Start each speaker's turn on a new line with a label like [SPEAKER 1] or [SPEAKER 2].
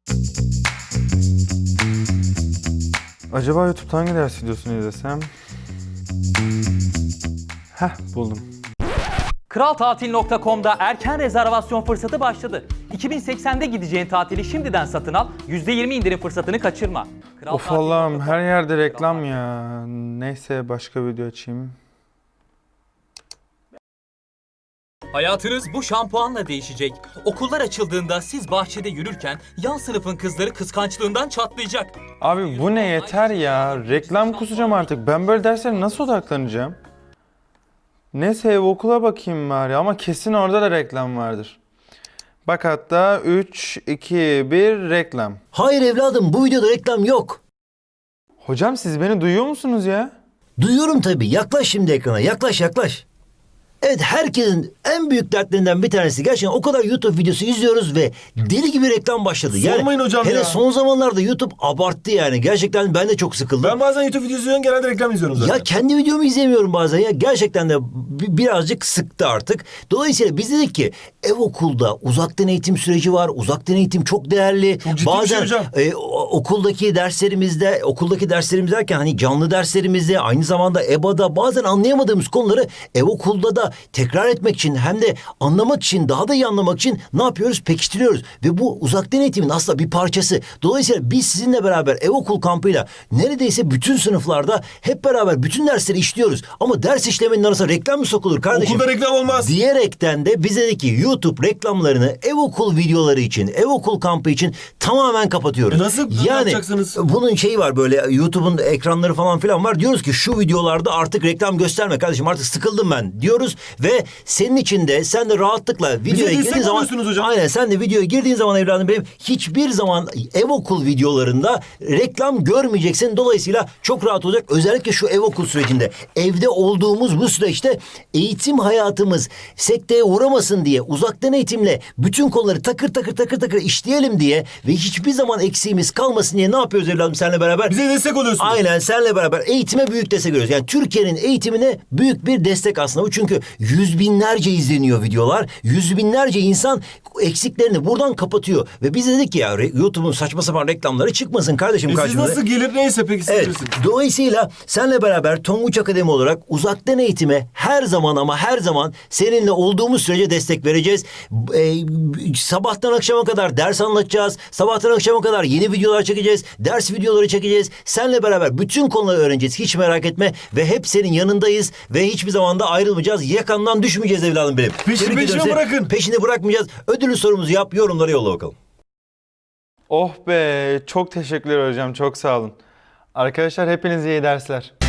[SPEAKER 1] Acaba YouTube'da hangi ders videosunu izlesem? Buldum.
[SPEAKER 2] Kraltatil.com'da erken rezervasyon fırsatı başladı. 2080'de gideceğin tatili şimdiden satın al, %20 indirim fırsatını kaçırma.
[SPEAKER 1] Of Allah'ım, her yerde reklam ya. Neyse, başka video açayım.
[SPEAKER 2] Hayatınız bu şampuanla değişecek. Okullar açıldığında siz bahçede yürürken yan sınıfın kızları kıskançlığından çatlayacak.
[SPEAKER 1] Abi bu ne, yeter ya. Reklam kusacağım artık. Ben böyle derslere nasıl odaklanacağım? Neyse, ev okula bakayım bari ama kesin orada da reklam vardır. Bak hatta 3, 2, 1 reklam.
[SPEAKER 3] Hayır evladım, bu videoda reklam yok.
[SPEAKER 1] Hocam siz beni duyuyor musunuz ya?
[SPEAKER 3] Duyuyorum tabii. Yaklaş şimdi ekrana. Yaklaş. Evet, herkesin en büyük dertlerinden bir tanesi. Gerçekten o kadar YouTube videosu izliyoruz ve deli gibi reklam başladı.
[SPEAKER 4] Sormayın hocam
[SPEAKER 3] hele
[SPEAKER 4] ya.
[SPEAKER 3] son zamanlarda YouTube abarttı yani. Gerçekten ben de çok sıkıldım.
[SPEAKER 4] Ben bazen YouTube videosu izliyorum, genelde reklam izliyorum zaten.
[SPEAKER 3] Ya kendi videomu izlemiyorum bazen ya. Gerçekten de birazcık sıktı artık. Dolayısıyla biz dedik ki ev okulda uzaktan eğitim süreci var. Uzaktan eğitim çok değerli.
[SPEAKER 4] Çok ciddi bir
[SPEAKER 3] Bazen
[SPEAKER 4] şey hocam.
[SPEAKER 3] okuldaki derslerimiz derken hani canlı derslerimizde, aynı zamanda EBA'da bazen anlayamadığımız konuları ev okulda da tekrar etmek için, hem de anlamak için, daha da iyi anlamak için ne yapıyoruz? Pekiştiriyoruz. Ve bu uzaktan eğitimin aslında bir parçası. Dolayısıyla biz sizinle beraber ev okul kampıyla neredeyse bütün sınıflarda hep beraber bütün dersleri işliyoruz. Ama ders işlemenin arasına reklam mı sokulur kardeşim?
[SPEAKER 4] Okulda reklam olmaz.
[SPEAKER 3] Diyerekten de bize dedi ki YouTube reklamlarını ev okul videoları için, ev okul kampı için tamamen kapatıyoruz.
[SPEAKER 4] Nasıl
[SPEAKER 3] yani
[SPEAKER 4] yapacaksınız?
[SPEAKER 3] bunun şeyi var, böyle YouTube'un ekranları falan filan var. Diyoruz ki şu videolarda artık reklam gösterme kardeşim, artık sıkıldım ben diyoruz ve senin için de sen de rahatlıkla videoya
[SPEAKER 4] destek
[SPEAKER 3] girdiğin zaman,
[SPEAKER 4] oluyorsunuz hocam.
[SPEAKER 3] aynen, sen de videoya girdiğin zaman evladım benim, hiçbir zaman ev okul videolarında reklam görmeyeceksin. Dolayısıyla çok rahat olacak. Özellikle şu ev okul sürecinde, evde olduğumuz bu süreçte eğitim hayatımız sekteye uğramasın diye uzaktan eğitimle bütün konuları takır takır işleyelim diye ve hiçbir zaman eksiğimiz kalmasın diye ne yapıyoruz evladım seninle beraber?
[SPEAKER 4] Bize destek oluyorsunuz.
[SPEAKER 3] Aynen, seninle beraber eğitime büyük destek veriyoruz. Yani Türkiye'nin eğitimine büyük bir destek aslında bu. Çünkü yüz binlerce izleniyor videolar. Yüz binlerce insan eksiklerini buradan kapatıyor. Ve biz dedik ki ya YouTube'un saçma sapan reklamları çıkmasın kardeşim
[SPEAKER 4] Siz
[SPEAKER 3] karşımıza.
[SPEAKER 4] nasıl gelir neyse peki siz
[SPEAKER 3] Evet.
[SPEAKER 4] bilirsiniz.
[SPEAKER 3] Dolayısıyla seninle beraber Tonguç Akademi olarak uzaktan eğitime her zaman ama her zaman seninle olduğumuz sürece destek vereceğiz. Sabahtan akşama kadar ders anlatacağız. Sabahtan akşama kadar yeni videolar çekeceğiz. Ders videoları çekeceğiz. Seninle beraber bütün konuları öğreneceğiz. Hiç merak etme. Ve hep senin yanındayız. Ve hiçbir zaman da ayrılmayacağız. Yakandan düşmeyeceğiz evladım benim. Tebrik ediyorum seni.
[SPEAKER 4] bırakın.
[SPEAKER 3] Peşini bırakmayacağız. Ödülü sorumuzu yap. Yorumlara yolla bakalım.
[SPEAKER 1] Oh be, çok teşekkürler hocam, çok sağ olun. Arkadaşlar hepinize iyi dersler.